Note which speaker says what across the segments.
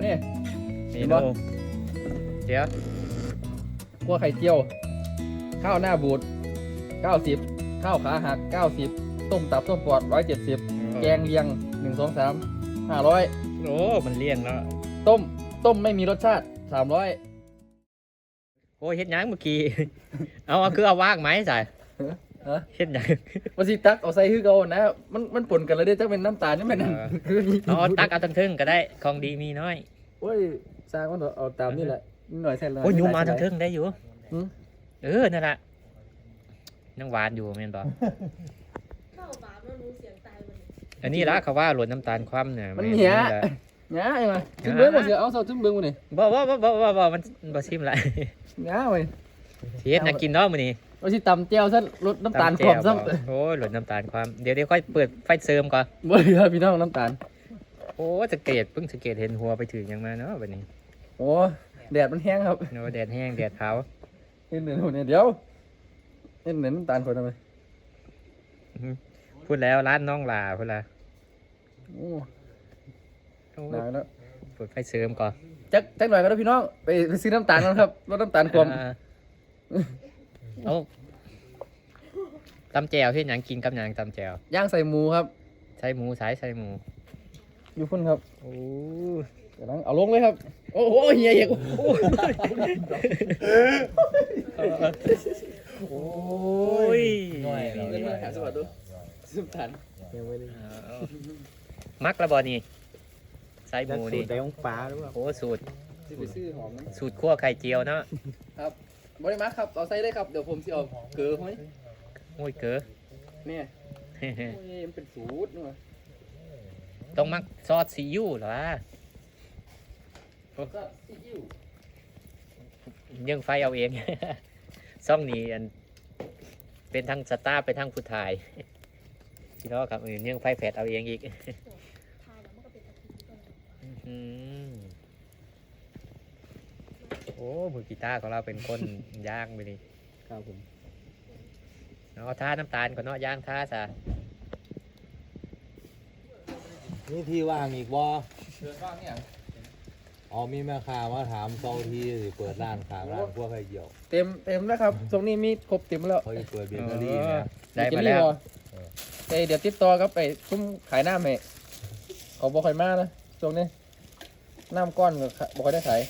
Speaker 1: นี่
Speaker 2: เมนูเดี๋ยว
Speaker 1: คั่วไข่เจียวข้าวหน้าบูด90ข้าวขาหัก90ต้มตับต้มปอด170แกงเลียง1 2 3 500
Speaker 2: โอ้มันเลี่ยงแล้ว
Speaker 1: ต้มไม่มีรสชาติ300
Speaker 2: โอ้ยเฮ็ดหยังเมื่อกี้ เอาคือเอาว่างไหมใส่
Speaker 1: ฮะ
Speaker 2: เฮ็ดหยัง
Speaker 1: ว่าสิตักเอาใส่คือเก่านะมันปนกันแล้วเด้จักเป็นน้ำตาลนี่แม่นนั่นคือ
Speaker 2: เอาตักเอาทั้งทึ่งก็ได้ของดีมีน้อย
Speaker 1: โอ้ยสร้างมันเอาตามนี่แหละนิดหน่อยใส่เลย
Speaker 2: โอ้ยยูมาทั้งทึ่งได้อยู่
Speaker 1: หืม
Speaker 2: นั่นแหละยังหวานอยู่แม่นบ่
Speaker 3: เข้าบาปแล้วรู้เสียงตายมัน
Speaker 2: อันนี้ละเขาว่าหล่นน้ำตาลคว่ำเนี่ย
Speaker 1: มันเหี้ย
Speaker 2: แหละ
Speaker 1: หงาไอ้มาจิ้มเบิ้งบ่เสียเอาเซาจิ้มเบิ้งบ่นี่
Speaker 2: บ่มันบ่ชิมละ
Speaker 1: หงาเว้ย
Speaker 2: สิเฮ็ดหยังกินเนาะมื้อนี้
Speaker 1: ว่าสิตำแจ่วซะลดน้ำตาลขอบซ้ำ
Speaker 2: โอ้ยหล่นน้ำตาลความเดี๋ยวค่อยเปิดไฟเสริมก่อน
Speaker 1: บ่เหลือพี่น้องน้ำตาล
Speaker 2: โอ้สังเกตเพิ่งสังเกตเห็นหัวไปถึงยังมาเนาะวันนี้
Speaker 1: โอ้แดดมันแห้งครับ
Speaker 2: โอ้แดดแห้งแดดเผา
Speaker 1: เห็นเหนือเนี่ยเดี๋ยวเห็นเหนือน้ำตาลคนทำไม
Speaker 2: พูดแล้วร้านน้องลาพูดละ
Speaker 1: โอ้
Speaker 2: โอ้
Speaker 1: หนาวแล้ว
Speaker 2: เปิดไฟเสริมก่อน
Speaker 1: จักหน่อยก็ได้พี่น้องไปซื้อน้ำตาลกันครับลดน้ำตาลความ
Speaker 2: เอาตำแจวที่หยังกินกับหยังตำแจว
Speaker 1: ย่างใส่หมูครับ
Speaker 2: ใส่หมูใส่หมู
Speaker 1: อยู่พุ่นครับ
Speaker 2: โอ้
Speaker 1: เดี๋ยวเอาลงเลยครับโอ้โหเฮียเฮียโอ้โห
Speaker 2: โอ้ย
Speaker 1: เล่นมาหาสวัสดีน้ำตาล
Speaker 2: มักระบอนี่ใส่หมูนี่
Speaker 4: สูตรใดของปลาหรือเปล่า
Speaker 2: โอ้สูตร
Speaker 1: สิไปซื้อหอมนะ
Speaker 2: สูตรคั่วไข่เจียวเนาะ
Speaker 1: ครับบริมาครับเอาใส่ได้ครับเดี๋ยวผมสิเอาเกลือห้อย
Speaker 2: โอ้ยเก๋อ
Speaker 1: เนี่ยโอ้ยมันเป็นสูตรนี่วะ
Speaker 2: ต้องมักซอสซีอิ๊วเหรอวะ
Speaker 1: ก็ซีอิ๊ว
Speaker 2: ยังไฟเอาเอง ซ่องนี้อันเป็นทั้งสตาร์เป็นทั้งผู้ถ่ายพี่น้องครับยังไฟแฟดเอาเองอีก
Speaker 3: ทายแล้วมันก็เป็นตะกี้ก่อน
Speaker 2: อืมโอ้มือกีตาร์ของเราเป็นคนย่างไปนี่
Speaker 1: ครับผม
Speaker 2: เอาท่าน้ำตาลก่อนเนาะย่างท่าซะ
Speaker 4: นี่ที่ว่างอีกบ่
Speaker 1: เชิญว่างเนี่ย
Speaker 4: อ๋อมีแม่ค้ามาถามเซาที่สิเปิดร้านขายร้านพวกไข่เกี่ยว
Speaker 1: เต็มแล้วครับตรงนี้มีครบเต็มแล้ว
Speaker 4: เขาจะเปิดเบเกอรี่นะ
Speaker 2: ได้มาแล้ว
Speaker 1: ไปเดี๋ยวติดต่อครับไปซุ้มขายน้ำให้เขาบอกใครมานะช่วงนี้น้ำก้อนก็บอกใครได้ขาย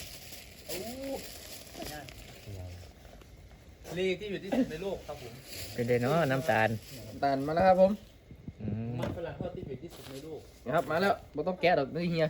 Speaker 5: ลีที่อยู่ที่สุดในโลกครับผม
Speaker 2: เป็นเดเนาะน้ำตาล
Speaker 1: ตาลมาแล้วครับผม
Speaker 2: อืม
Speaker 5: มันฝรั่งทอดที่อยู่ที่สุดในโลก
Speaker 1: นะครับมาแล้วไม่ต้องแกะดอกนี่เฮีย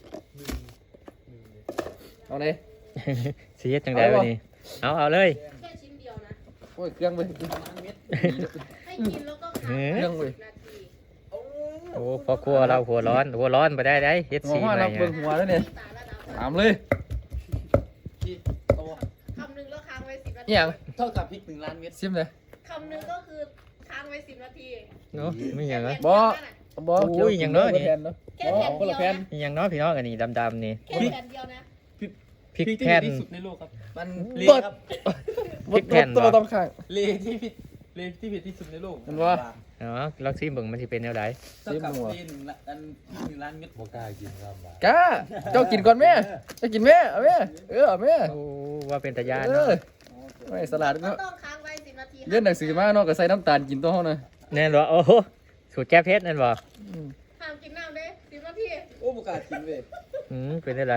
Speaker 1: เอาเลย
Speaker 2: สีเฮ็ดจังไดวันนี้เอาเลย
Speaker 3: แค่ชิ้นเดียวนะ
Speaker 1: โอ้ยเครื่องไป
Speaker 3: ให้กินแล้วก็
Speaker 2: เอ
Speaker 3: ค้าง
Speaker 2: อ
Speaker 3: ไว้10 นาที
Speaker 2: โอ้พอครัวเราหัวร้อนไปได้เฮ็ด
Speaker 1: หัว
Speaker 2: สี
Speaker 1: ว่า
Speaker 2: ใหม่
Speaker 1: เราเบิ่งหัวแล้วเนี่ย
Speaker 3: ตาระดับ
Speaker 1: ถามเลย
Speaker 5: ที่โต
Speaker 3: คำหนึ่งแล้วค้างไว้10 นาที
Speaker 1: นี่ยัง
Speaker 5: เท่ากับพริก1 ล้านเม็ด
Speaker 1: ซิมเลย
Speaker 3: คำหนึ่งก็คือค้างไว้10 นาที
Speaker 2: เนาะไม่อย่างเนาะ
Speaker 1: บ่ บอ
Speaker 2: อุ้ยอย่างน้อยนี่
Speaker 1: แผ่นเนาะ
Speaker 3: แค่แผ่น
Speaker 1: คน
Speaker 3: เดี
Speaker 1: ละ
Speaker 3: ยว
Speaker 1: แผ่น
Speaker 3: นะ
Speaker 2: อย่างน้อยพี่น้องอันนี้ดำๆนี่
Speaker 3: แค่แผ่นเดียวนะ
Speaker 2: พริก
Speaker 5: ที่
Speaker 2: แผ่น
Speaker 5: อยู่ที่สุดในโลกครับ
Speaker 1: มัน
Speaker 5: ลี
Speaker 1: บด
Speaker 5: ครับ
Speaker 2: พริกแผ่น
Speaker 1: ตัว
Speaker 2: บ่
Speaker 1: ต้องข้าง
Speaker 5: ลีที่ผิดลีที่ผิดที่สุดในโลก
Speaker 1: มันว่า
Speaker 2: เนาะลองซิเบิ่งมันสิเป็นแนวใด
Speaker 5: เท่ากับลี1 ล้านเม็ด
Speaker 4: บ่กล้ากินครับบ่
Speaker 1: ก้าเจ้ากินก่อนแม่เจ้ากินแม่เอาแม่เอาแม่
Speaker 2: โอ้ว่าเป็นตะยาน
Speaker 1: เอ
Speaker 2: เนาะ
Speaker 1: อไม่สลัด
Speaker 3: ก็
Speaker 1: เนาะ
Speaker 3: ต้องค้างไว้10 นาที
Speaker 1: เรียนหนังสือมาเนาะก็ใส่น้ำตาลกินตัวเฮานะ
Speaker 2: แน่นบ่โอ้โหสูตรแก้เพชรนั่นบ่
Speaker 3: ห้ามกินน้ำเด้10 นาที
Speaker 5: โอ้บุกากินเว้ย
Speaker 2: เป็นได้ไร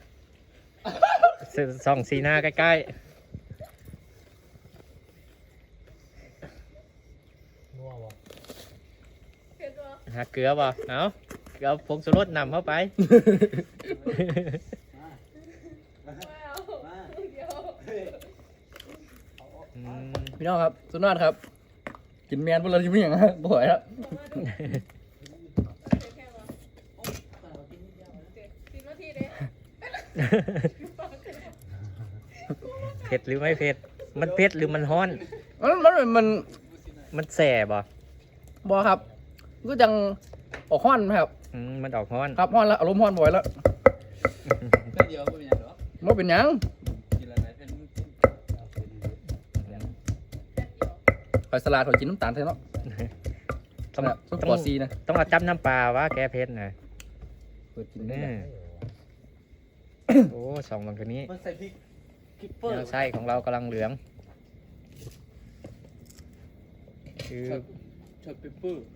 Speaker 2: ส่องสีหน้าใกล้
Speaker 4: นัวบ่
Speaker 3: เผ็ดตัว
Speaker 2: ๆหักเกลือบ่เอาเอาผงชูรสนำเข้าไป
Speaker 3: ว้าวเดี๋ยว
Speaker 2: อืม
Speaker 1: พี่น้องครับสุดยอดครับ กินแมนพวกเราจะไม่อย่างนั้นบ่อยแล้ว
Speaker 3: แค่ว่า10 นาทีเด้
Speaker 2: เผ็ดหรือไม่เผ็ด มันเผ็ดหรือมันฮ้อน มันแสบบ่
Speaker 1: บ่ครับก็จังออกฮ้อนไหมครับ
Speaker 2: มันออกฮ้อน
Speaker 1: ครับฮ้อนแล้วอารมณ์ฮ้อนบ่อยแล้ว
Speaker 5: แค่เดียวก็เป็นอย่างหรอ
Speaker 1: บ่เป็นหยัง
Speaker 5: กินอะไรเป็น
Speaker 1: ข่อยสลัดข่อยกินน้ำตาลแท้เนาะ
Speaker 2: ต้อง
Speaker 1: แบบซุป
Speaker 2: ต้
Speaker 1: ป
Speaker 2: อ
Speaker 1: อง ซีนะ
Speaker 2: ต้องเอาจับน้ำปลาว่าแก้เผ็ดนะ
Speaker 1: เปิดกินได้
Speaker 2: อื
Speaker 1: ไหม
Speaker 2: มโอ้สองบางตัวนี้
Speaker 5: มันใส่พริกคิปเปอ
Speaker 2: แน
Speaker 5: ร์
Speaker 2: วไส้ของเรากำลังเหลืองคือ
Speaker 5: ช็อตเปเปอร์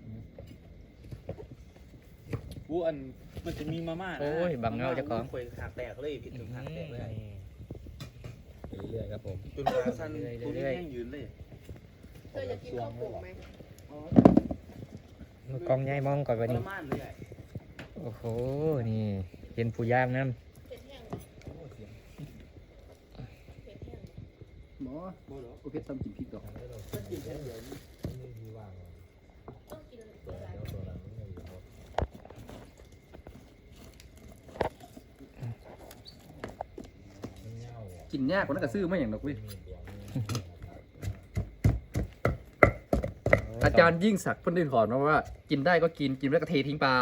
Speaker 5: วูอันมันจะมีมาม่านะ
Speaker 2: โอ้ยบังเงาเจ้าของ
Speaker 5: ควยหักแตกเลยผิดถึงหักแตกเลย
Speaker 4: เรื่อยๆครับผม
Speaker 5: จนขาสั้นตัวนี้แห้งยืนเลย
Speaker 3: เธอจะกินข้าวโป่งไหม
Speaker 2: มือกล้องใหญ่มองก่อนวัน
Speaker 5: ทร
Speaker 2: นี้
Speaker 5: มานเลย
Speaker 2: โอ้โหนี่เห็นผู้ย่างน้
Speaker 3: เผ็ดแห้งเหรอเผ็ดแห้งเหรอ
Speaker 1: หมอโอเคซ้ำกินพริกดอก
Speaker 3: ต้องกินอะไร
Speaker 1: กินยากกว่านั้นก็ซื้อไม่อย่างดอกเว้ย
Speaker 2: ำ
Speaker 1: อาจารย์ยิ่งศักดิ์เพิ่นได้ถอนมาว่า กินได้ก็กินกินไม่ได้ก็เททิ้งไป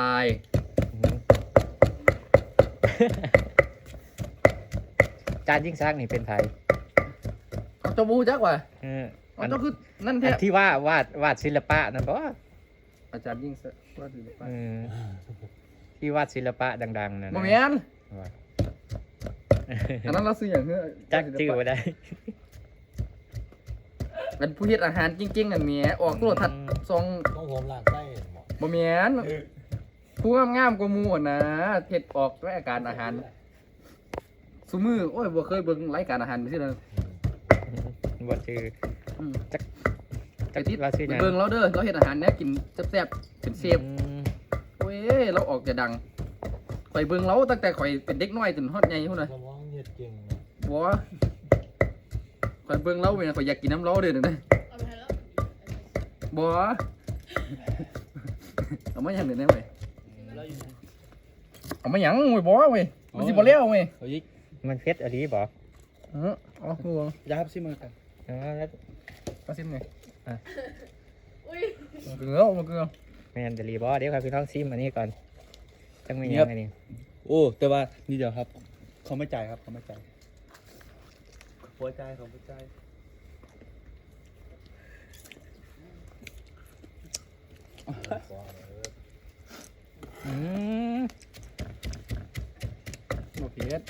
Speaker 2: จานยิ่งซักนี่เป็นไทย
Speaker 1: เอาเจ้าบูจักว่ะ
Speaker 2: เออ
Speaker 1: เอา
Speaker 2: อัน
Speaker 1: เจ้าคือนั่น
Speaker 2: อั
Speaker 1: แท้
Speaker 2: นที่วาดศิลปะนั่นบ่
Speaker 1: อาจารย์ยิ่งศักดิ์ว่าดีไป
Speaker 2: เออที่วาดศิลปะดังๆนั่น
Speaker 1: บ่
Speaker 2: นะ
Speaker 1: แม่น
Speaker 2: ว่า
Speaker 1: อันนั้นเราซื้ออย่างเฮ้ย
Speaker 2: จักชื่อบ่ได้
Speaker 1: เป็นผู้เฮ็ดอาหารจริงๆอันเนี้ยออกโทรทัศน์ซอง
Speaker 4: ต้องผมล้างไส้หมอ
Speaker 1: บ่แม่นผู้งามๆกว่าหมู่อะนะเฮ็ดออกรายการอาหารซุมื้อโอ้ยบ่เคยเบิ่งรายการอาหารซื่อเลย
Speaker 2: บ่ชื่อ
Speaker 1: อืม
Speaker 2: จัก
Speaker 1: ไอ้ทิศ
Speaker 2: เราชื่อหยัง
Speaker 1: เบิ่งเราเด้อเราเฮ็ดอาหารแนวกินแซ่บๆเป็นเชฟ
Speaker 2: อืม
Speaker 1: โอ้ยเราออกจะดังข่อยเบิ่งเราตั้งแต่ข่อยเป็นเด็กน้อยจนฮอดใหญ่พุ่นน่ะ
Speaker 4: สมองเฮ็ดเก่งนะ
Speaker 1: บ่ข่อยเบิ่งเราเว้ยข่อยอยากกินน้ำเราเด้อนั่นน่ะ
Speaker 3: เอาไปให้แล้ว
Speaker 1: บ่เอามาหยังเด้อนะเว้ย
Speaker 5: เราอยู่
Speaker 1: เอามาหยังเว้ยบ่เว้ยมันสิบ่แล้วเว้ย
Speaker 5: เฮ้ย
Speaker 2: มันเพชรอะไรบ่
Speaker 1: อ๋อคือ
Speaker 5: ยาครับซิมือกัน
Speaker 2: อ๋อแล้ว
Speaker 1: มาซิมไง
Speaker 3: อุ้ย
Speaker 1: มันคือเอามันคือเอา
Speaker 2: แม่นจะรีบ่เดี๋ยวครับพี่ท้องซิมอันนี้ก่อนจังมีห
Speaker 5: เงี
Speaker 2: ยั
Speaker 5: ยบ
Speaker 2: งไงนี่
Speaker 5: โอ้แต่ว่านี่เดียวครับเขาไม่จ่ายครับเขาไม่จ่ายหัวใจเขาไม่จ่าย
Speaker 2: อืม
Speaker 1: บ่เผ็ด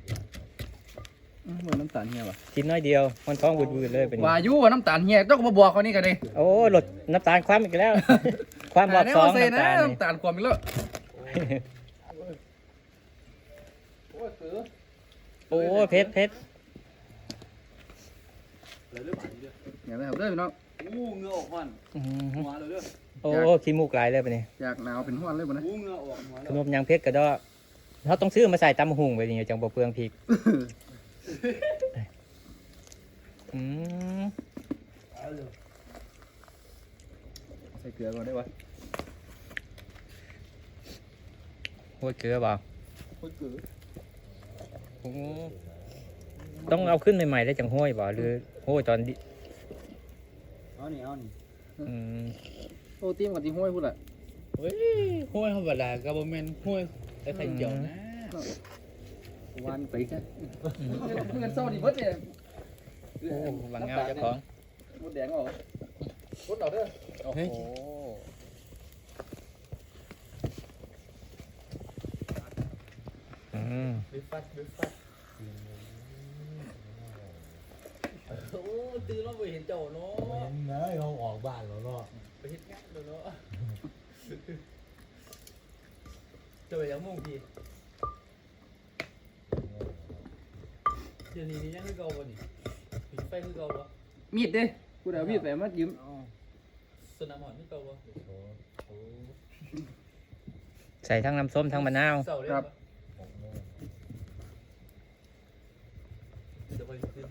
Speaker 1: เหมือนน้ำตาลเฮียว่ะ
Speaker 2: กินน้อยเดียวมันท้องบืดๆเลยเป็น
Speaker 1: ว่าอยู่ว่าน้ำตาลเฮียต้องมาบอกเขานี่กันดิ
Speaker 2: โอ้ลดน้ำตาลความอีกแล้ว ความรอบสอง
Speaker 1: เซ่
Speaker 2: น้ำ
Speaker 1: นะ
Speaker 2: ตาลนี่
Speaker 1: น้ำตาลความอีกแล้ว
Speaker 2: โอ้เพชร
Speaker 5: เลยเรื่องหวานเยอะ
Speaker 1: อย่างนั้นครับเด้อพี่น้อง
Speaker 5: อู้เงือออกมัน
Speaker 2: อืม
Speaker 5: หัวเลยเรื่อง
Speaker 2: โอ้ขี้มูกไหลเลยปะนี่
Speaker 1: อยากหนาวเป็นห้วนเลยบ่นะ
Speaker 5: อู้เงือออกหัว
Speaker 2: ข
Speaker 5: แล้ว
Speaker 2: นมยางเพชรก็ได้เขาต้องซื้อมาใส่ตำหุงไปนี่จังบ่เปลืองพริกอืม
Speaker 1: ใส่เกลือก่อนได้ปะ
Speaker 2: โอ้ยเกลือบ่
Speaker 1: โอ้ยเกลือ
Speaker 2: โอ้ต้องเอาขึ้นใหม่ๆได้จังห้อยบ่หรือห้อยตอนดิ
Speaker 5: เอานี่เอานี่
Speaker 2: อืม
Speaker 1: โอ้ตีมกับตีห้วยพูดแหละ
Speaker 5: เฮ้ยห้วยธรรมดากับแมนห้วยไอ้ไข่เจียวนะ
Speaker 1: วันไปแค่เงินเศร้าดีเบิดเนี่ย
Speaker 2: โอ้บางเงาเจ้าของ
Speaker 1: หมดแดงเอาหมดเอาเด้อ
Speaker 2: โอ้โห อืม
Speaker 5: บิฟฟัดบิฟฟัดโอ้ตื่นแล้วไปเห็นเจ้าเนาะ
Speaker 4: เห็นนะเขาออกบ้านแล้วเนาะ
Speaker 5: ไปเห็นงานเนาะเจะไปยังมุ่งพี่เดี๋ยวนี้นี่ยังคือเก่าบ่นี่ผิดไฟคือเก่าบ่
Speaker 1: มีดเด้กูเดี๋ยวมีดไปมายืม
Speaker 5: สนามหมอนคือเก่าบ่
Speaker 2: ใส่ทั้งน้ำส้มทั้งมะนาว
Speaker 5: เสาเลย
Speaker 1: ครับ
Speaker 5: เดี๋ยวไปขึ้น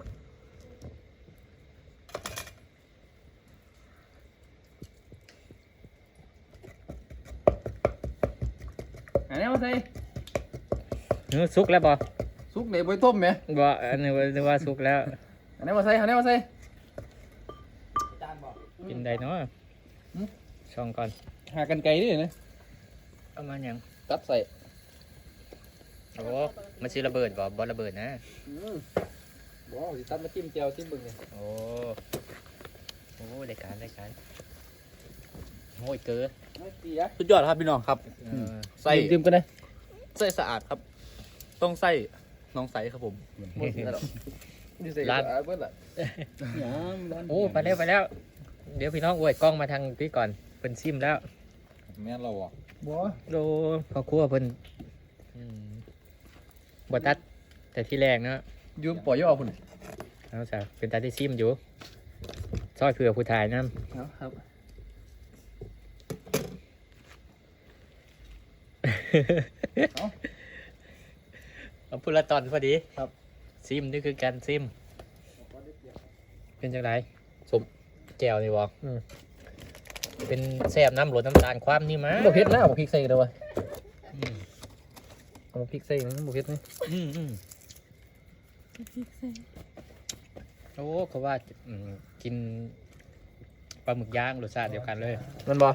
Speaker 1: อันนี้มาใส่
Speaker 2: สุกแล้วบ่
Speaker 1: ซุกเดี๋ยวไปต้มไหม
Speaker 2: บ่อันนี้ว่าสุกแล้ว
Speaker 1: อันนี้มาใส่อันนี้มาใส่
Speaker 5: จานบ่
Speaker 2: กินได้เนาะช่องก่อน
Speaker 1: หากันไกลดินะ
Speaker 2: เอามาหยัง
Speaker 1: ตัดใส่
Speaker 2: โอ้มันสิระเบิดบ่ระเบิดนะ
Speaker 1: ว้าวสิตัดมาจิ้มเจียวจิ้มบึงเนี่ย
Speaker 2: โอ้รายการโอ้ยเกลือ
Speaker 1: ไม่เสีย
Speaker 5: สุดยอดครับพี่น้องครับ
Speaker 2: เออ
Speaker 5: ใส่
Speaker 1: จิ้มกันเลย
Speaker 5: ใส่สะอาดครับ ต้องใส่น้องใสครับผม
Speaker 1: หมดแล้วนี่ใส่
Speaker 2: ร้าน
Speaker 1: เบิดละ
Speaker 2: โอ้ไปแล้วไปแล้ว เดี๋ยวพี่น้องอวยกล้องมาทางพี่ก่อนเพิ่นซิมแล้ว
Speaker 4: แม่นเราอ่ะ
Speaker 1: บ่
Speaker 2: โดพ่อครัวเพิ่นบ่ตัดแต่ที่แรกเนาะ
Speaker 1: ยืมปล่อยย่อคุณ
Speaker 2: เอาซะเป็นตาที่ซิมอยู่ซอยเผื่อผู้ถ่ายนำ
Speaker 1: ครับ
Speaker 2: เอาพูดละตอนพอดี
Speaker 1: ครับ
Speaker 2: ซิมนี่คือการซิม เป็นจังได
Speaker 1: สม
Speaker 2: แก้วนี่บ่เป็นแซ่บน้ำหลดน้ำตาลความนี่มา
Speaker 1: บ่เผ็ดนะบ่พริกใส่เลยวะเอาพริกใส่มันบ่เผ็ดนี่
Speaker 2: โอ้เขาว่ากินปลาหมึกย่างรสชาติเดียวกันเลย
Speaker 1: มันบ่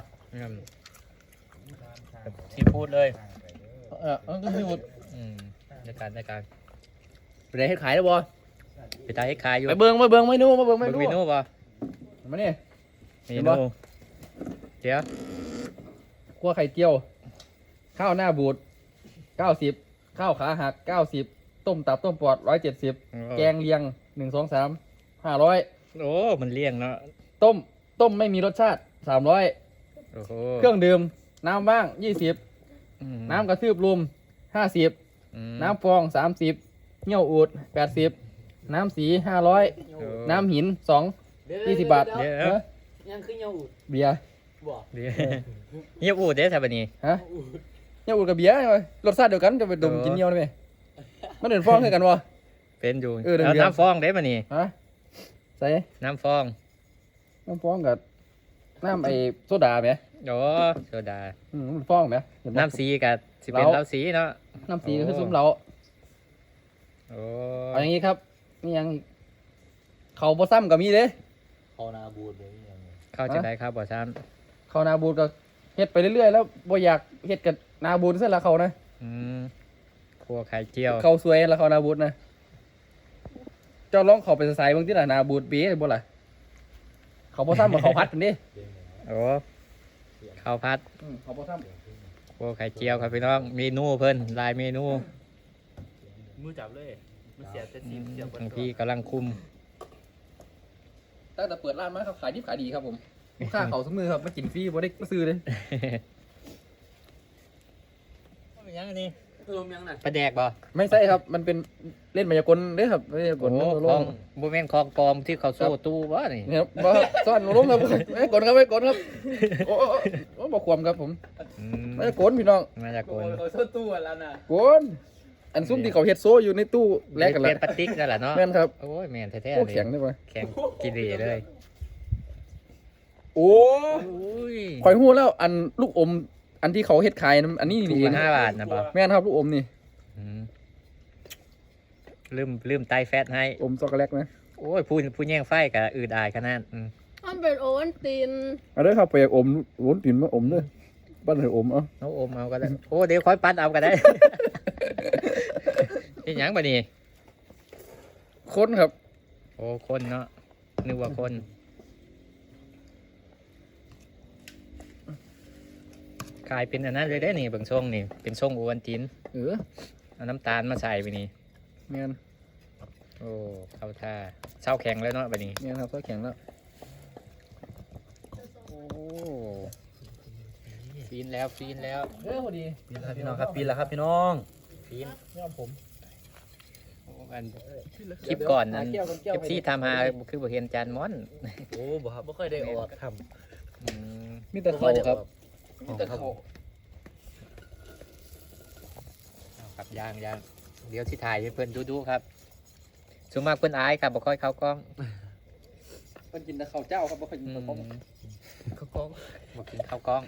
Speaker 2: ซีฟู้ดเลย
Speaker 1: มันก็มีหมด
Speaker 2: ในการ
Speaker 1: ไปได้เฮ็ดขายแล้วบ่
Speaker 2: ไปตายให้ขายอยู่
Speaker 1: ไปเบิ่งเมนูมาเบิ่งเม
Speaker 2: เบิ่ง
Speaker 1: นู
Speaker 2: เมนูป่ะ
Speaker 1: มานี่
Speaker 2: เม
Speaker 1: เห็นบ่
Speaker 2: นูเดี๋ยว
Speaker 1: คั่วไข่เจียว ข้าวหน้าบูด90ข้าวขาหัก90ต้มตับต้มปอด170แกงเลียง1 2 3 500
Speaker 2: โอ้มันเลี่ยงเนาะ
Speaker 1: ต้มไม่มีรสชาติ300
Speaker 2: โอ้โห
Speaker 1: เครื่องดื่มน้ำบ้าง20น้ำกระทืบรวม50น้ำฟอง30เงี้ยวอูด80น้ำสี500น้ำหิน2 20 บาท
Speaker 2: เดี๋ยว
Speaker 1: เออ
Speaker 3: ยังขึ้นยังอุด
Speaker 1: เบียร์
Speaker 3: บอก
Speaker 2: เดี๋ยวเงียบอูดเด้อท่าบัดนี้
Speaker 1: ฮะเงี้ยวอูดกับเบียร์ไงรสชาติเดียวกันจะไปดมกินเงี้ยวได้ไหมมันเดินฟองคือกันวะ
Speaker 2: เป็นอยู่
Speaker 1: เออเดี๋ยว
Speaker 2: แล้ว
Speaker 1: เดี๋ยว
Speaker 2: น้ำฟองเด้บัดนี้
Speaker 1: ฮะใส่
Speaker 2: น้ำฟอง
Speaker 1: น้ำฟองกับน้ำไอ้โซดาไหม
Speaker 2: โอ้โซดา
Speaker 1: มันฟองไหมเห็บ่
Speaker 2: น้ำสีกับสิเป็น
Speaker 1: เหล้า
Speaker 2: เหล้าสีเนาะ
Speaker 1: น้ำสีก็คือซุ้มเรา
Speaker 2: โอ้
Speaker 1: เอาอย่างนี้ครับนี่ยังเขาบ่ซ้ำกับมีเด้
Speaker 4: เขานาบูดเลยอย่างเงี้ย
Speaker 2: เข้าจะได้ครับบ่ซ้
Speaker 1: เขานาบูดก็เฮ็ดไปเรื่อยๆแล้วบ่อยากเฮ็ดกับนาบูดซะละเขานะ
Speaker 2: ำครัวไข่เจียว
Speaker 1: เขาสวยแล้วเขานาบูดนะเจ้าลองเขาไปใส่บางที่ละนาบูดปีบ่ล่ะเขาบ่ซ้ำกับเขาพัดกันดิ
Speaker 2: โอ้ข้าวผัด
Speaker 1: เขาบ่ซ้
Speaker 2: ครัวไข่เจียวครับพี่น้องเมนูเพิ่นหลายเมนู
Speaker 5: มือจับเลยมันเสียแต่ซีมเสียบน
Speaker 2: บางทีกำลังคุม
Speaker 1: ำตั้งแต่เปิดร้านมาเขาขายดิบขายดีครับผมลูกค้าเขาสมือครับมากินฟรีบ่ได้มาซื้อเลย
Speaker 2: ยังอันนี้
Speaker 3: ลมยังน่ะ
Speaker 2: ปลาแดกบ่
Speaker 1: ไม่ใช่ครับมันเป็นเล่นมายากลเด้อครับมายาก
Speaker 2: โอ้
Speaker 1: ล
Speaker 2: ข
Speaker 1: ล
Speaker 2: อง
Speaker 1: ง
Speaker 2: บ่แม่นของปลอมที่เขาโซ่ตู้บ่นี่
Speaker 1: เนี่ยครับบ่ซ่อนลงครับไม่กดครับไม่กดครับโอ้โอ้บอกความครับผม
Speaker 2: อืม
Speaker 1: ไม่กดพี่น้อง
Speaker 2: มาจาก
Speaker 3: โอ้
Speaker 2: คน
Speaker 3: ยโซ่ตู้แล้วน่ะ
Speaker 1: กดอันซุ้มที่เขาเฮ็ดโซอยู่ในตู้แลกกัน
Speaker 2: เป็
Speaker 1: ละ
Speaker 2: นปลาติ๊กนั่นแหละเนาะ
Speaker 1: แม่นครับ
Speaker 2: โอ้ยแม่นแท้ๆ
Speaker 1: โอ้
Speaker 2: เลย
Speaker 1: แข็งได้ป่ะ
Speaker 2: แข็งกิเลเลย
Speaker 1: โอ้
Speaker 2: อุ้ย
Speaker 1: ข่อยฮู้แล้วอันลูกอมอันที่เขาเฮ็ดขายนั้นอันนี้
Speaker 2: ถุ
Speaker 1: นี่
Speaker 2: ง
Speaker 1: เอง
Speaker 2: ละ5 บาทนะบ่
Speaker 1: แม่นครับลูกอมนี่
Speaker 2: อืมลืมไตแฟตให้
Speaker 1: อมช็อกโกแลตนะ
Speaker 2: โอ้ยผู้แย่งไฟกับอืดอายขนาด
Speaker 6: มันเป็นโอวัลติน
Speaker 1: เอาเด้อครับไปอมวนตินมาอมเด้อบ้านให้อมเอา
Speaker 2: น้องอมเอาก็ได้ โอ้เดี๋ยวค่อยปั้นเอาก็ได้ นี่หยังบ่นี่
Speaker 1: คนครับ
Speaker 2: โอ้คนเนาะนึกว่าคนกลายเป็นอันนั้นเลยได้นี่เบางช่วงนี่เป็นช่วงโอวันติน
Speaker 1: เออ
Speaker 2: เอาน้ำตาลมาใส่ไปนี่
Speaker 1: แม่น
Speaker 2: โอ้เข้าท่าเช้าแข็งแล้วเนาะไปนี่
Speaker 1: แม่นครับเขาแข็งแล้ว
Speaker 2: โอ้ฟีนแล้วฟีนแล้ว
Speaker 1: เออพอดี
Speaker 5: ปีนแล้วพี่น้องครับปีนแล้วครับพี่น้อง
Speaker 2: ฟีน
Speaker 1: ยอมผม
Speaker 2: โอ้อันคลิปก่อนนั้น
Speaker 1: หาแก้วกันแก้ว
Speaker 2: คลิปที่ทำหาคือบ่เห็นจานม้อน
Speaker 5: โอ้บ่ครับบ่ค่อยได้ออกท
Speaker 2: อืม
Speaker 1: มีแต่เขาครับมีแต่เขา
Speaker 2: เอาครับย่างเดี๋ยวที่ถ่ายให้เพื่อนดูครับส่วนมากเพื่อนอายครับบ่ค่อยเข้ากล้อง
Speaker 1: เพิ่นกินแต่ข้าวเจ้าครับบ่ค่อยกินข้าวต้ม
Speaker 2: เข้ากล้องบ่กินข้าวกล้อง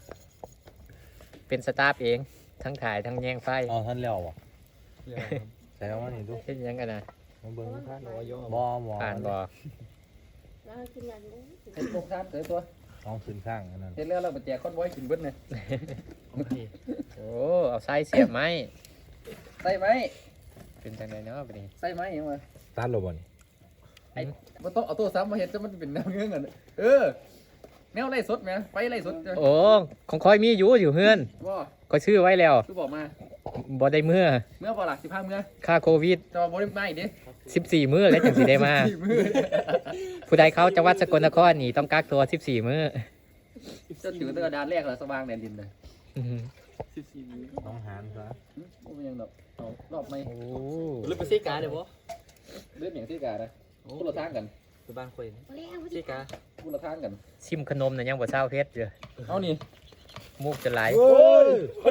Speaker 2: เป็นสตาฟเองทั้งถ่ายทั้งแยงไฟ
Speaker 4: เอาท่านเลี้ยวอ่ะใส่แล้วมานี่ดู
Speaker 2: เช่นยังกันนะ
Speaker 4: มาเบิ้งท่าน
Speaker 3: บ่
Speaker 4: บ่
Speaker 2: ผ่านบ่
Speaker 6: แล้วกินอย่างนี้
Speaker 1: เฮ็ดตกทานเด้อตัว
Speaker 4: ต้องขึ้นข้างอันนั้น
Speaker 1: เฮ็ดแล้วเราไปแจกคอนไว้กินเบิดเนี่ย
Speaker 2: โอ้เอาไส้เสียบไหม
Speaker 1: ใส่ไหม
Speaker 2: เป็นจังไดเนาะบัดนี้
Speaker 1: ใส่ไหมยังไง
Speaker 4: ตัดหรอบ่นี่
Speaker 1: มันต้องเอาตัวซ้ำมาเฮ็ดจะมันเป็นแนวเงื่อนกันเออแนวไล่สดไหมไปไล่สดจ้ะ
Speaker 2: โอ้ของคอยมีอยู่เฮือน
Speaker 1: ว่า
Speaker 2: ก็ชื่อไว้แล้ว
Speaker 1: คือบอกมา
Speaker 2: บบ่ได้เมื่อ
Speaker 1: เมื่อพอหลัก15เมื่อ
Speaker 2: ค่าโควิด
Speaker 1: จะมาบ่ได้มาอีกดิ
Speaker 2: 14 มื้อแล้วจังสิได้มา
Speaker 1: มื้อ
Speaker 2: ผู้ใดเขาจังหวัดสกลนครนี่ต้องกักตัว14 มื้อ
Speaker 1: จะถือตั้งแต่ด่านแรกแล้วสว่างแดนดินเลย
Speaker 2: อื้อหือ
Speaker 4: ต้องหารซะ
Speaker 1: โอ้ยยังดอกเอารอบไหม
Speaker 2: โอ้
Speaker 3: ลืมไปซีกาเดี๋ยวบ่
Speaker 1: เลือดอย่างที่กานะพูดละทางกัน
Speaker 3: ไปบ้านคุย
Speaker 6: มาแล้ว
Speaker 3: ซีกา
Speaker 1: พูดละทางกัน
Speaker 2: ชิมขนมน่ะยังบ่เศร้าเพชรอยู่
Speaker 1: เอานี่
Speaker 2: มูกจะไหล
Speaker 1: โอ้ย
Speaker 2: โอ้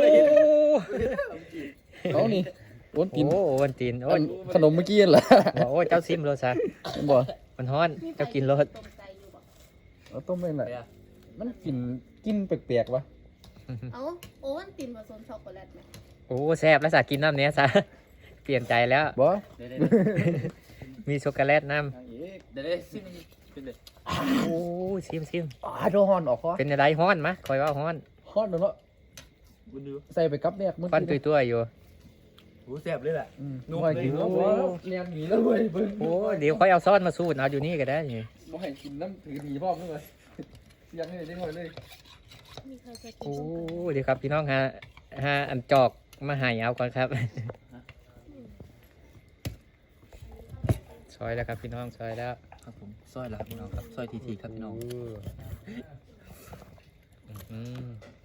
Speaker 1: เอานี่โอนกิน
Speaker 2: โอ้วันตีนโอ้
Speaker 1: อั
Speaker 2: ย
Speaker 1: นขนมเมื่อกี้นั่นแหละ
Speaker 2: โอ้ยเจ้าซิมโลซะ
Speaker 1: บ่
Speaker 2: มันฮ้อนเจ้ากินรส
Speaker 6: ตรงใจอยู่บ่
Speaker 1: เอาต้มไม่ไหนมันกินแปลกๆวะ
Speaker 6: เอ้าโอวันตินผสมช็อกโกแลตไหม
Speaker 2: โอ้แซ่บแล้วสากินน้ำเนี้ยซะเปลี่ยนใจแล้ว
Speaker 1: บ่
Speaker 2: มีช็อกโกแลตน้
Speaker 3: เดี๋ยวได้ซิมเป็นเด็ด
Speaker 2: ำโอ้ซิมซิม
Speaker 1: โดนฮอนออกคอ
Speaker 2: เป็นอะไรฮ้อนมะคอยว่าฮ้อน
Speaker 1: ฮอนเนาะ
Speaker 3: บุญดู
Speaker 1: ใส่ไปกับแรกเมื่อ
Speaker 2: ฟัน
Speaker 1: กี้
Speaker 2: ตัวๆอยู่
Speaker 3: โอ้แซ่บเลยแหละ
Speaker 1: นุ่มเลยกินแล้วบ่เลี้ยงหนีแล้วเว้ยเบิ่ง
Speaker 2: โอ้เดี๋ยวค่อยเอาซ้อนมาสูตรเอาอยู่นี่ก็ได้นี่
Speaker 1: บ่ให้กินน้ำถือหนีพร้อมเลยเลี้ยงให้ได้หน่อยเลย
Speaker 6: มีใครจะกิน
Speaker 2: โอ้
Speaker 6: บ้าง
Speaker 2: เดี๋ยวครับพี่น้องฮะอันจอกมาใหายเอาก่อนครับซอยแล้วครับพี่น้องซอยแล้ว
Speaker 3: ครับผมซอยแล้วพี่น้องครับซอยทีครับพี่น้อง
Speaker 2: อืม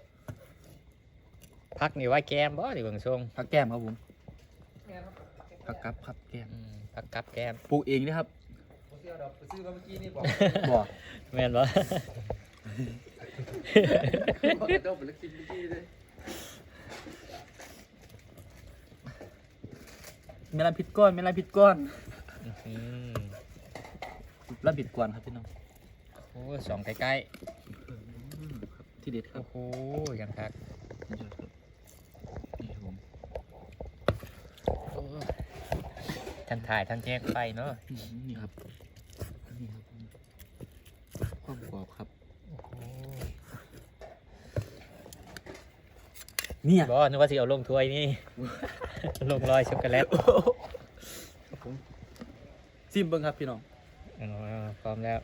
Speaker 2: พักนี่ไว่าแก้มบ่ดิเบิ่งทรง
Speaker 3: ผักแก้มครับผมผักกับครับแก้ม
Speaker 2: พักกับแก้ม
Speaker 3: ปลูกเองนะครับ
Speaker 1: ซื้อดอกไปซื้อมาเมื่อกี้นี่บอก
Speaker 3: บ่
Speaker 2: แม่นบ่
Speaker 1: เขาจะเอาไปแล้วกินเมื่อกี้เลย
Speaker 3: ไม่รับผิดก้อนไม่รับผิดก้อน
Speaker 2: อืม
Speaker 3: รับผิดก้อนครับพี่น้อง
Speaker 2: โอ้สองใกล้
Speaker 3: ที่เด็ด
Speaker 2: ๆ
Speaker 3: ครับ
Speaker 2: โอ้โหยังคัก
Speaker 3: นี่ครับนี่ครับผม
Speaker 2: ทั้งถ่ายทั้งแจ้งไฟเนาะ
Speaker 3: นี่ครับนี่ครับผมความกรอบครับ
Speaker 2: โอ้โห
Speaker 3: เนี่ย
Speaker 2: บ่นึกว่าสิเอาลงถ้วยนี่ ลงรอยช็อกโกแลต
Speaker 3: ครับผมซิมเบิ้งครับพี่น้อง
Speaker 2: อ๋อพร้อมแล้ว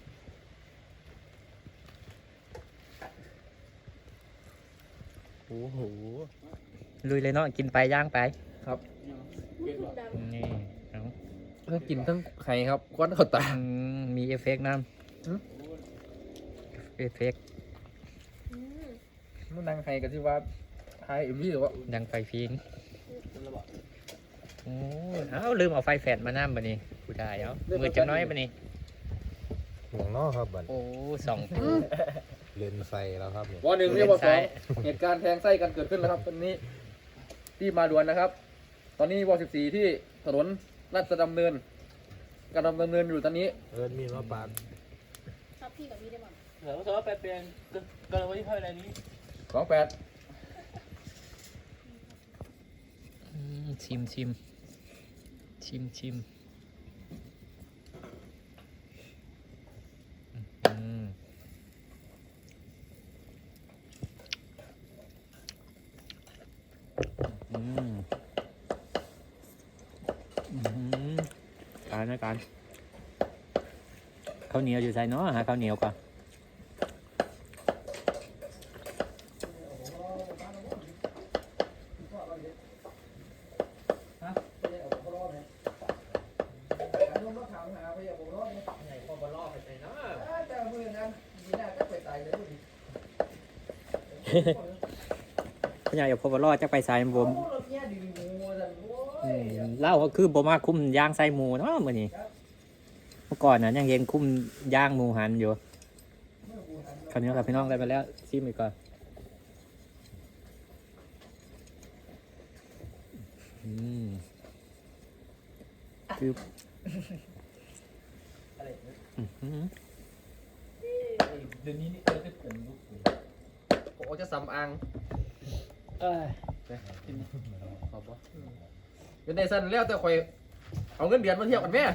Speaker 2: โอ้โหลุยเลยเนาะกินไปย่างไป
Speaker 1: ครับ
Speaker 6: ดัง
Speaker 2: นี่เอา
Speaker 1: ทั้งกินทั้งไข่ครับควันเข้าตา
Speaker 2: มีเอฟเฟกต์น้
Speaker 1: หืม
Speaker 2: ำเอฟเฟกต์
Speaker 6: อืม
Speaker 1: มันนั่งไข่กันที่ว่าไทยเอ็มวีหรือว่า
Speaker 2: ดังไฟฟิงโอ้เอ้าลืมเอาไฟแฟลชมาน้ำบันนี้กูได้เอามือจังน้อยบันนี้
Speaker 4: หวงนอกครับบัด
Speaker 2: โอ้สอง
Speaker 4: เลนไฟแล้วครับเนี่ย
Speaker 1: วันหนึ่งเรียกว่าสองเหตุการณ์แทงไส้กันเกิดขึ้นแล้วครับตอนนี้ที่มาด่วนนะครับ ตอนนี้ว14ที่ถนนราชดำเนินการดำเนินอยู่ตอนนี้
Speaker 4: เอิญมีมาปาก
Speaker 6: ชอบพี่กับพี่ได้บ้าง
Speaker 3: เดี๋ยวเราไปเปลี่ยนกันเลยวันที่เท่าไหร่นี้
Speaker 1: 28
Speaker 2: ชิมชิมชิมชิมอืมอืมอืมการนะการข้าวเหนียวอยู่ใส่เนาะหาข้าวเหนียวก่อนพี่ใหญ่อย่าพบว่ารอดจะไปใส่บมเล่าก็คือบ่มาคุ้มย่างใส่หมูเนาะมื้อนี้เมื่อก่อนน่ะยังเห็นคุ้มย่างหมูหันอยู่คราวนี้ครับพี่น้องได้ไปแล้วชิมอีกก่อนคืออื้อหือ
Speaker 3: เดี๋ยวนี้นี่เออได้ผมลูกผม
Speaker 1: ผมจะสำอาง
Speaker 3: ขอบว่า
Speaker 1: เป็นในสั้นแล้วแต่คอยเอาเงินเดือนมาเที่ยวกันแม่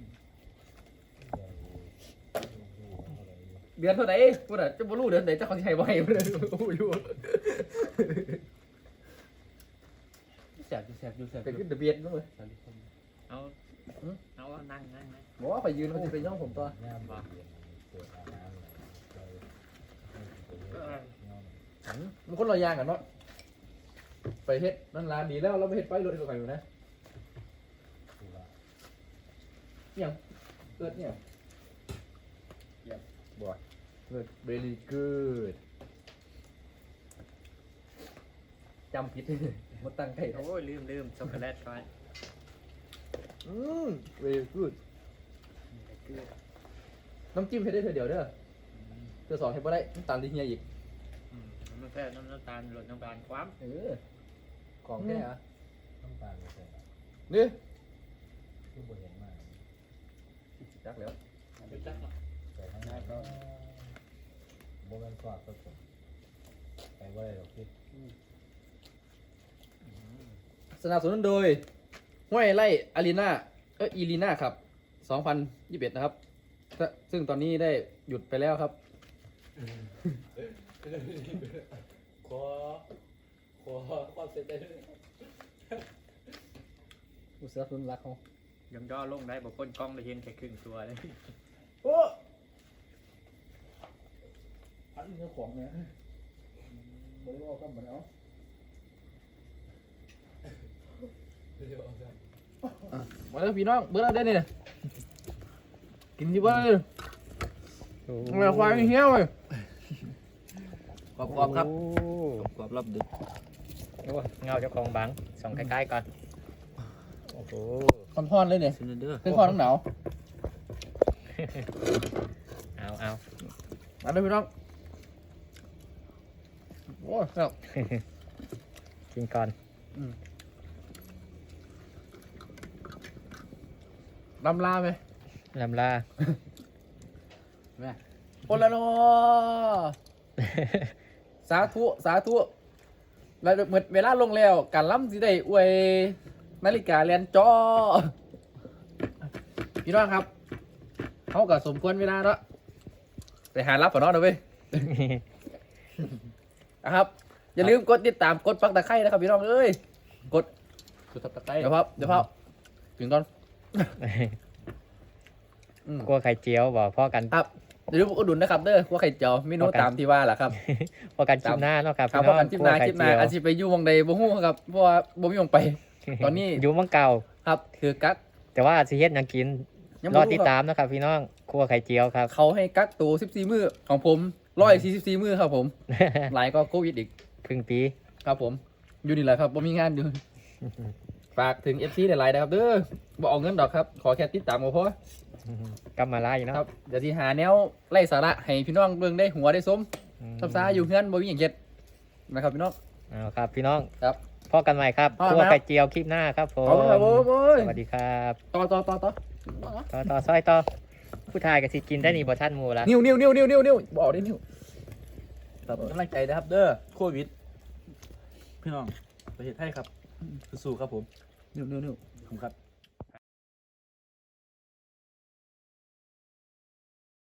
Speaker 1: เดือนเท่าไหร่พูดอ่ะจะบ่รู้เดือนไหนจะเขาสิให้บ่ให้บ่ได้รู้อยู่
Speaker 3: แสบอยู่แสบอยู่แสบ
Speaker 1: เป็นขึ้นทะเบียนนู้นเลย
Speaker 2: เอาเอานั่งนั่งนั่ง
Speaker 1: บอกว่าไปยืนเขาจะไปย่องผมตัวมันคนละอย่างกันเนาะไปเฮ็ดนั่นร้านดีแล้วเราไปเฮ็ดไปรถตัวใครอยู่นะยังเกิดเนี่ยบ่อยเกิด very good จำผิดหมดตั้งใจ
Speaker 2: โอ้ยลืมช็อกโกแลตก่อน
Speaker 1: very good น้ำจิ้มให้ได้เธอเดียวเด้อเธอสองให้บ่ได้น้ำตาลที่เฮียอีก
Speaker 2: น้ำแค่น้ำตาลหลดน้ำตาลความ
Speaker 1: ของแค่อะ
Speaker 4: น้ำตาลไม่ใช่
Speaker 1: นี่
Speaker 4: ที่บนเห็นมาก
Speaker 1: จักแล้ว
Speaker 4: แต่ข้างหน้าก็โบแมนซอสผสมไปว่าอะไรหรอกพี่
Speaker 1: สนับสนุนโดยห้วยไร่อารีนาอีลีนาครับ 2021 นะครับ ซึ่งตอนนี้ได้หยุดไปแล้วครับ
Speaker 4: ขอความเสร็จได้เลย
Speaker 1: อุตสาหกรรมรักเขา
Speaker 2: ยังย่อลงได้บอกคนกล้องได้เห็นแค่ครึ่งตัวเลย
Speaker 1: โอ้อันนี้เจ้าของเนี่ยบริวารก็เหมือนเอามาแล้วพี่น้องเบื่อแล้วได้เนี่ยกินที่บ้านเลยอะไรควายเหี้ยวเลยกรอบๆครับกรอบรับดึก
Speaker 2: โอ้เงาเจ้าของบังส่องใกล้ๆก่อนโอ้โห
Speaker 1: คอนๆเลยเนี่ย
Speaker 3: ซินเดอร์
Speaker 1: เป็นคอนทั้งหนาว
Speaker 2: เอา
Speaker 1: มาเลยพี่น้องโอ้ยครับ
Speaker 2: กินก่อน
Speaker 1: ลำลาไหม
Speaker 2: ลำลา
Speaker 1: โอละโนสาธุสาธุแล้วเหมือนเวลาลงแล้วการล้ำสิได้อวยนาฬิกาเรียนจอพี่น้องครับเขากับสมควรเวลาแล้วไปหารับก่อนเนาะเดี๋ยวไปนะครับ อย่าลืมกดติดตามกดปักตะไคร้นะครับพี่น้องเอ้ยกดตะไคร้เดี๋ยวพับถึงตอน
Speaker 2: กลัวไข่เจียวบอกพ่อกัน
Speaker 1: ครับเดี๋ยวอุดหนุนนะครับเด้อว่าไข่เจียวเมนูตามที่ว่าแหละครับ
Speaker 2: พ่อกันจิ้มหน้าเนาะครับ
Speaker 1: ครับ
Speaker 2: พี่
Speaker 1: เพราะกันจิ้มนา
Speaker 2: ไข่
Speaker 1: จิ้ม
Speaker 2: เจี
Speaker 1: นา
Speaker 2: ยว
Speaker 1: อาจจะไปอยู่วงใดบ่ฮู้ครับเพราะว่าบ่มีวงไป ตอนนี้
Speaker 2: อยู่เมังเก่า
Speaker 1: ครับคือกัก
Speaker 2: แต่ว่าสิเฮ็ดหยังกิน
Speaker 1: ยัง
Speaker 2: ร
Speaker 1: บ่
Speaker 2: อ
Speaker 1: รู้
Speaker 2: ติด
Speaker 1: ครับ
Speaker 2: ตามนะครับพี่น้องครัวไข่เจียวครับ
Speaker 1: เขาให้กักตัว14 มื้อของผม144มื้อครับผม หลายก็โควิดอีก
Speaker 2: ครึ่งปี
Speaker 1: ครับผมอยู่นี่แหละครับบ่มีงานอยู่ ฝากถึง FC หลายๆนะครับเด้อบ่เอาเงินดอกครับ ขอแค่ติดตามก็พอก
Speaker 2: ำมาไล่เนาะ
Speaker 1: ครับเดี๋ยวสิหาแนวไล่สาระให้พี่น้องเบิ่งได้หัวได้สมซับซ้าอยู่เฮือนบ่มีหยังเฮ็ดนะครับพี่น้อง
Speaker 2: เอาครับพี่น้อง
Speaker 1: ครับ
Speaker 2: พ่อกันใหม่ครับ
Speaker 1: พ่อ
Speaker 2: ค
Speaker 1: กัน
Speaker 2: รัว
Speaker 1: ครับ
Speaker 2: ไข่เจียวคลิปหน้าครับผม
Speaker 1: ขอบคุณครับผมโอ้ย
Speaker 2: สวัสดีครับ
Speaker 1: ต่อ
Speaker 2: ต่อซอยต่อผู้ชายกับสิกินได้นี่บ่ท่านหมูละ
Speaker 1: นิ้วบอกได้นิ้วครับกำลังใจนะครับเด้อโควิดพี่น้องประเทศไทยครับสู้ๆครับผมนิ้วขอบคุณครับ